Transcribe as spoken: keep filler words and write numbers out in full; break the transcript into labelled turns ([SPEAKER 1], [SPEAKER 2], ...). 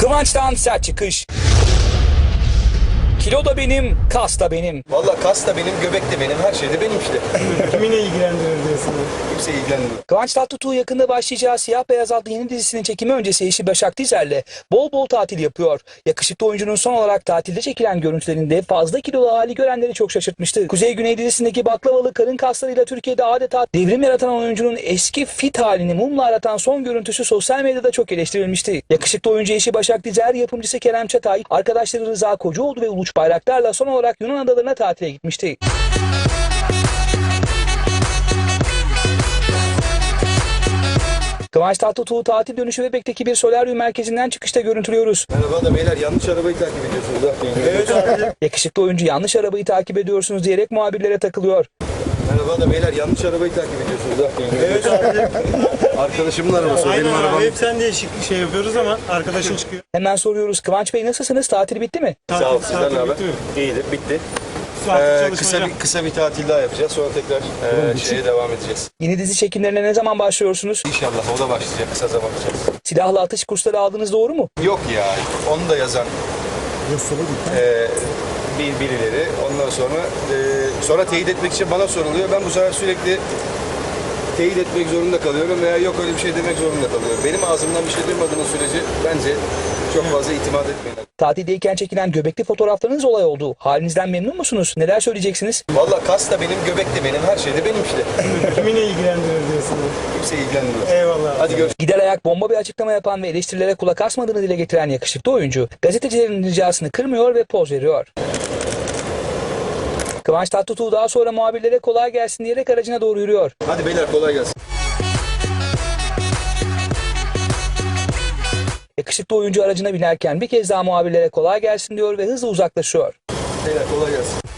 [SPEAKER 1] Kıvanç'tan sert çıkış. Kilo da benim, kas da benim.
[SPEAKER 2] Valla kas da benim, göbek de benim, her şey de benim işte.
[SPEAKER 3] Kimi ne ilgilendirir diyorsun?
[SPEAKER 2] Kimse ilgilenmiyor.
[SPEAKER 1] Kıvanç Tatlıtuğ yakında başlayacağı Siyah Beyaz adlı yeni dizisinin çekimi öncesi eşi Başak Dizer'le bol bol tatil yapıyor. Yakışıklı oyuncunun son olarak tatilde çekilen görüntülerinde fazla kilolu hali görenleri çok şaşırtmıştı. Kuzey Güney dizisindeki baklavalı karın kaslarıyla Türkiye'de adeta devrim yaratan oyuncunun eski fit halini mumla aratan son görüntüsü sosyal medyada çok eleştirilmişti. Yakışıklı oyuncu eşi Başak Dizer, yapımcısı Kerem Çatay, arkadaşları Rıza Kocaoğlu ve Uluç Bayraktar'la son olarak Yunan adalarına tatile gitmişti. Kıvanç Tatlıtuğ'u tatil dönüşü Bebek'teki bir solaryum merkezinden çıkışta görüntülüyoruz.
[SPEAKER 2] Merhaba da beyler, yanlış arabayı takip ediyorsunuz ha.
[SPEAKER 3] Evet abi.
[SPEAKER 1] Yakışıklı oyuncu yanlış arabayı takip ediyorsunuz diyerek muhabirlere takılıyor.
[SPEAKER 2] Merhaba da beyler, yanlış arabayı takip ediyorsunuz ha.
[SPEAKER 3] Evet abi.
[SPEAKER 2] Arkadaşımın arabası, o
[SPEAKER 3] Aynen
[SPEAKER 2] benim arabam.
[SPEAKER 3] abi. Hep sen değişik şey yapıyoruz ama arkadaşın çıkıyor.
[SPEAKER 1] Hemen soruyoruz, Kıvanç Bey nasılsınız? Tatil bitti mi?
[SPEAKER 2] Sağ ol,
[SPEAKER 3] Tatil-
[SPEAKER 2] sizden
[SPEAKER 3] tatil
[SPEAKER 2] ne haber?
[SPEAKER 3] bitti mi?
[SPEAKER 2] İyidir, bitti.
[SPEAKER 3] Saat
[SPEAKER 2] Ee,
[SPEAKER 3] çalışma
[SPEAKER 2] kısa
[SPEAKER 3] hocam.
[SPEAKER 2] bir kısa bir tatil daha yapacağız, sonra tekrar e, şeye devam edeceğiz.
[SPEAKER 1] Yeni dizi çekimlerine ne zaman başlıyorsunuz?
[SPEAKER 2] İnşallah o da başlayacak kısa zaman içerisinde.
[SPEAKER 1] Silahlı atış kursları aldınız, doğru mu?
[SPEAKER 2] Yok ya, onu da yazan e, bir birileri. Ondan sonra e, sonra teyit etmek için bana soruluyor. Ben bu sefer sürekli teyit etmek zorunda kalıyorum veya yok öyle bir şey demek zorunda kalıyorum. Benim ağzımdan bir şey duymadığınız sürece bence çok fazla itimat etmeyin.
[SPEAKER 1] Tatildeyken çekilen göbekli fotoğraflarınız olay oldu. Halinizden memnun musunuz? Neler söyleyeceksiniz?
[SPEAKER 2] Valla kas da benim, göbek de benim, her şey de benim işte.
[SPEAKER 3] Kimi ne ilgilendirir diyorsun?
[SPEAKER 2] Kimse ilgilenmiyor.
[SPEAKER 3] Eyvallah.
[SPEAKER 2] Hadi görüşürüz.
[SPEAKER 1] Gider ayak bomba bir açıklama yapan ve eleştirilere kulak asmadığını dile getiren yakışıklı oyuncu, gazetecilerin ricasını kırmıyor ve poz veriyor. Kıvanç Tatlıtuğ daha sonra muhabirlere kolay gelsin diyerek aracına doğru yürüyor.
[SPEAKER 2] Hadi beyler, kolay gelsin.
[SPEAKER 1] Yakışıklı oyuncu aracına binerken bir kez daha muhabirlere kolay gelsin diyor ve hızla uzaklaşıyor.
[SPEAKER 2] Beyler kolay gelsin.